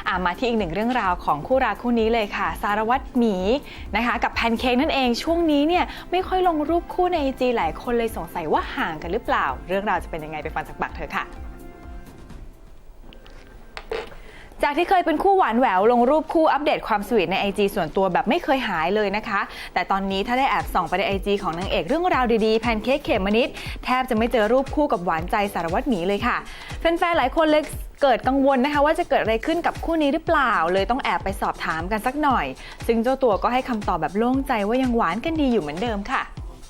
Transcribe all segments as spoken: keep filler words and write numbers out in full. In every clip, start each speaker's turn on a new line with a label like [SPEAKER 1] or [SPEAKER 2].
[SPEAKER 1] อ่ามาที่อีกหนึ่งเรื่องราวของคู่รักคู่นี้เลยค่ะสารวัตรหมีนะคะกับแพนเค้กนั่นเองช่วงนี้เนี่ยไม่ค่อยลงรูปคู่ใน ไอ จี หลายคนเลยสงสัยว่าห่างกันหรือเปล่าเรื่องราวจะเป็นยังไงไปฟังจากปากเธอค่ะจากที่เคยเป็นคู่หวานแหววลงรูปคู่อัปเดตความสวีทใน ไอ จี ส่วนตัวแบบไม่เคยหายเลยนะคะแต่ตอนนี้ถ้าได้แอบส่องไปใน ไอ จี ของนางเอกเรื่องราวดีๆแพนเค้กเขมมนิดแทบจะไม่เจอรูปคู่กับหวานใจสารวัตรหมีเลยค่ะแฟนๆหลายคนเลยเกิดกังวลนะคะว่าจะเกิดอะไรขึ้นกับคู่นี้หรือเปล่าเลยต้องแอบไปสอบถามกันสักหน่อยซึ่งเจ้าตัวก็ให้คำตอบแบบโล่งใจว่ายังหวานกันดีอยู่เหมือนเดิมค่ะ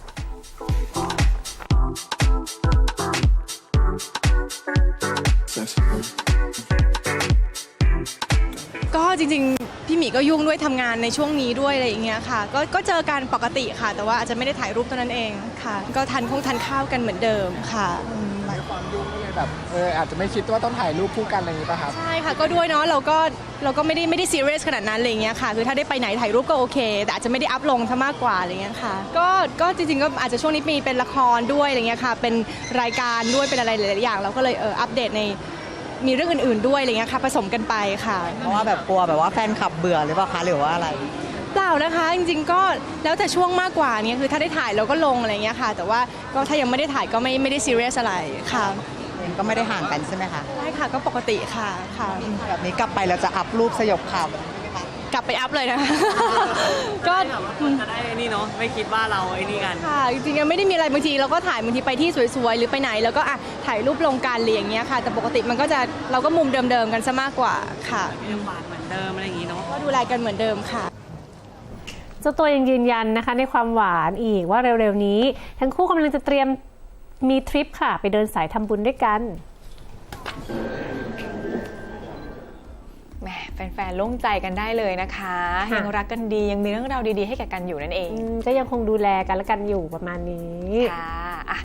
[SPEAKER 2] ก็จริงๆพี่หมีก็ยุ่งด้วยทำงานในช่วงนี้ด้วยอะไรอย่างเงี้ยค่ะก็ก็เจอกันปกติค่ะแต่ว่าอาจจะไม่ได้ถ่ายรูปเท่านั้นเองค่ะก็ทานคงทานข้าวกันเหมือนเดิมค่ะ
[SPEAKER 3] หลายความยุ่งก็เลยแบบเอออาจจะไม่คิดว่าต้องถ่ายรูปคู่กันอะไรอย่างนี้ป่ะครับ
[SPEAKER 2] ใช่ค่ะก็ด้วยเนาะเราก็เราก็ไม่ได้ไม่ได้ซีเรียสขนาดนั้นอะไรอย่างเงี้ยค่ะคือถ้าได้ไปไหนถ่ายรูปก็โอเคแต่อาจจะไม่ได้อัพลงซะมากกว่าอะไรเงี้ยค่ะก็ก็จริงๆก็อาจจะช่วงนี้มีเป็นละครด้วยอะไรเงี้ยค่ะเป็นรายการด้วยเป็นอะไรหลายๆอย่างเราก็เลยเอออัปเดตในมีเรื่องอื่นๆด้วยอะไรเงี้ยค่ะผสมกันไปค่ะ
[SPEAKER 4] เพราะว่าแบบกลัวแบบว่าแฟนคลับเบื่อหรือเปล่าคะหรือว่าอะไร
[SPEAKER 2] เปล่านะคะจริงๆก็แล้วแต่ช่วงมากกว่านี้คือถ้าได้ถ่ายเราก็ลงอะไรเงี้ยค่ะแต่ว่าก็ถ้ายังไม่ได้ถ่ายก็ไม่ไม่ได้ซีเรียสอะไรค่ะ
[SPEAKER 4] ก็ไม่ได้ห่างกันใช่ไหมคะ
[SPEAKER 2] ใช่ค่ะก็ปกติค่ะค่ะ
[SPEAKER 4] แบบนี้กลับไปเราจะอัพรูปสยบข่าว
[SPEAKER 2] กลับไปอัพเลยนะคะก็
[SPEAKER 5] จะได้นี่เนาะไม่คิดว่าเราไอ้นี่กัน
[SPEAKER 2] ค่ะจริงๆไม่ได้มีอะไรบางทีเราก็ถ่ายบางทีไปที่สวยๆหรือไปไหนแล้วก็อ่ะถ่ายรูปลงกันอะไรอย่างเงี้ยค่ะแต่ปกติมันก็จะเราก็มุมเดิมๆกันซะมากกว่าค่ะ
[SPEAKER 5] ยังหวานเหมือนเดิมอะไรอย่างงี้เนาะ
[SPEAKER 2] ก็ดูแลกันเหมือนเดิมค่ะ
[SPEAKER 6] เจ้าตัวยังยืนยันนะคะในความหวานอีกว่าเร็วๆนี้ทั้งคู่กำลังจะเตรียมมีทริปค่ะไปเดินสายทำบุญด้วยกัน
[SPEAKER 1] แหมแฟนๆโล่งใจกันได้เลยนะคะยังรักกันดียังมีเรื่องราวดีๆให้แก่กันอยู่นั่นเอง
[SPEAKER 6] ก็ยังคงดูแลกันและกันอยู่ประมาณนี้
[SPEAKER 1] ค่ะ